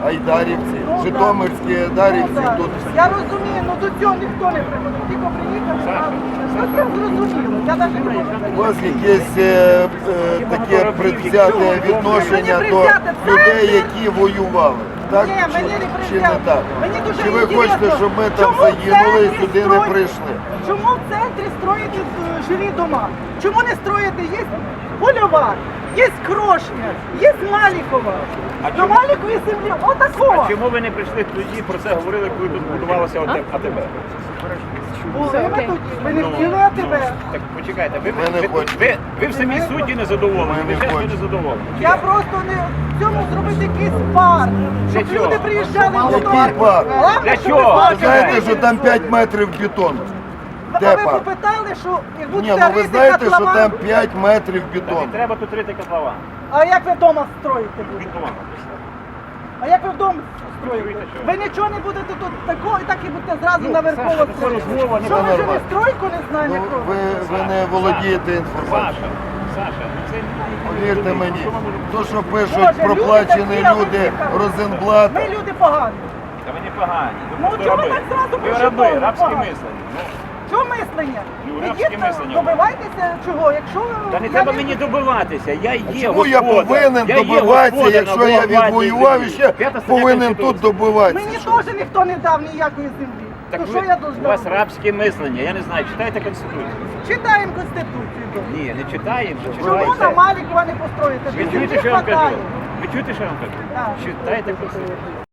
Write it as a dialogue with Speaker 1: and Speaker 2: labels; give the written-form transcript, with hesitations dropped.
Speaker 1: айдарівці, житомирські айдарівці тут.
Speaker 2: Я розумію, ну до цього ніхто не приходив. Тільки приїхали, ну це зрозуміло. Я навіть не можу.
Speaker 1: У вас якесь таке предвзяте відношення до людей, які воювали. Так?
Speaker 2: Ні, мені не
Speaker 1: Чи не
Speaker 2: прийняли.
Speaker 1: так?
Speaker 2: Мені дуже
Speaker 1: Чи ви
Speaker 2: інтересно,
Speaker 1: хочете, щоб ми там
Speaker 2: чому в
Speaker 1: загинули і
Speaker 2: центрі
Speaker 1: сюди не
Speaker 2: строїть-
Speaker 1: прийшли?
Speaker 2: Чому в центрі строїти жилі дома? Чому не строїти? Є Польова, є Крошня, є Малікова.
Speaker 3: А
Speaker 2: На
Speaker 3: чому-
Speaker 2: Маліковій землі отакого.
Speaker 3: А чому ви не прийшли тоді, про це говорили, коли тут будувалося АТБ?
Speaker 2: Були ми тоді, ми не хотіли АТБ.
Speaker 3: Так почекайте,
Speaker 1: Ми не хочемо.
Speaker 3: ви в самій суді не задоволені,
Speaker 1: Ми не
Speaker 3: ви чесно
Speaker 1: хочемо.
Speaker 3: не задоволені.
Speaker 2: Я просто не в цьому зробити якийсь парк, щоб
Speaker 3: Для чого?
Speaker 2: люди приїжджали в
Speaker 1: Який парк?
Speaker 2: Головне,
Speaker 3: Для
Speaker 2: щоб
Speaker 3: чого?
Speaker 2: ви
Speaker 1: Ви
Speaker 2: бачили.
Speaker 1: знаєте, що там 5 метрів бетону?
Speaker 2: А
Speaker 1: Де
Speaker 2: ви
Speaker 1: парк?
Speaker 2: попитали, що як
Speaker 1: Ні,
Speaker 2: будете
Speaker 1: ну ви
Speaker 2: рити
Speaker 1: знаєте, що
Speaker 2: котлован,
Speaker 1: там 5 метрів
Speaker 3: Та не
Speaker 1: бетону.
Speaker 3: треба тут рити котлован.
Speaker 2: а як ви вдома строїте будете?
Speaker 3: Бетон.
Speaker 2: А як ви вдома строїте?
Speaker 3: Чуєте, що?
Speaker 2: Ви нічого не будете тут такого, і так і будете зразу наверхово
Speaker 3: Саша, це
Speaker 2: строїти.
Speaker 3: розмова,
Speaker 2: Що ви
Speaker 1: нормально.
Speaker 2: живі стройку не знаєте?
Speaker 1: Ну, ви не володієте інформацією.
Speaker 3: Саша, ну це...
Speaker 1: Повірте мені, то, що пишуть
Speaker 2: Боже,
Speaker 1: проплачені
Speaker 2: люди такі, а ви
Speaker 1: люди
Speaker 2: всі
Speaker 1: Розенблата,
Speaker 2: Ми люди погані.
Speaker 3: Та ви не погані.
Speaker 2: Ну,
Speaker 3: просто
Speaker 2: чого ви
Speaker 3: раби.
Speaker 2: так зразу
Speaker 3: Ви
Speaker 2: пошуковуєте?
Speaker 3: раби, рабське
Speaker 2: Погано.
Speaker 3: мислення.
Speaker 2: Чого мислення?
Speaker 3: Ну,
Speaker 2: Ідіть,
Speaker 3: рабське мислення.
Speaker 2: добивайтеся чого, якщо ви...
Speaker 3: Та не
Speaker 2: я
Speaker 3: треба мені добиватися, я є
Speaker 1: чому я
Speaker 3: господар.
Speaker 1: повинен
Speaker 3: Я є
Speaker 1: добиватися,
Speaker 3: господар
Speaker 1: якщо
Speaker 3: на
Speaker 1: я
Speaker 3: благодатній
Speaker 1: відвоював і
Speaker 3: землі.
Speaker 1: ще
Speaker 3: П'ята стаття
Speaker 1: повинен тут
Speaker 3: Конституції.
Speaker 1: добиватися?
Speaker 2: Мені теж ніхто не дав ніякої землі.
Speaker 3: Так
Speaker 2: То
Speaker 3: ви,
Speaker 2: що я
Speaker 3: у
Speaker 2: должна?
Speaker 3: вас
Speaker 2: робити?
Speaker 3: рабське мислення, я не знаю, читайте Конституцію.
Speaker 2: Читаємо Конституцію.
Speaker 3: Ні, не читаємо,
Speaker 2: Чому на
Speaker 3: читайте.
Speaker 2: Малікова не построїте?
Speaker 3: Ви чуєте,
Speaker 2: Землі
Speaker 3: що я вам кажу?
Speaker 2: хватає.
Speaker 3: Ви чуєте, що я вам кажу?
Speaker 2: Так.
Speaker 3: Читайте Конституцію.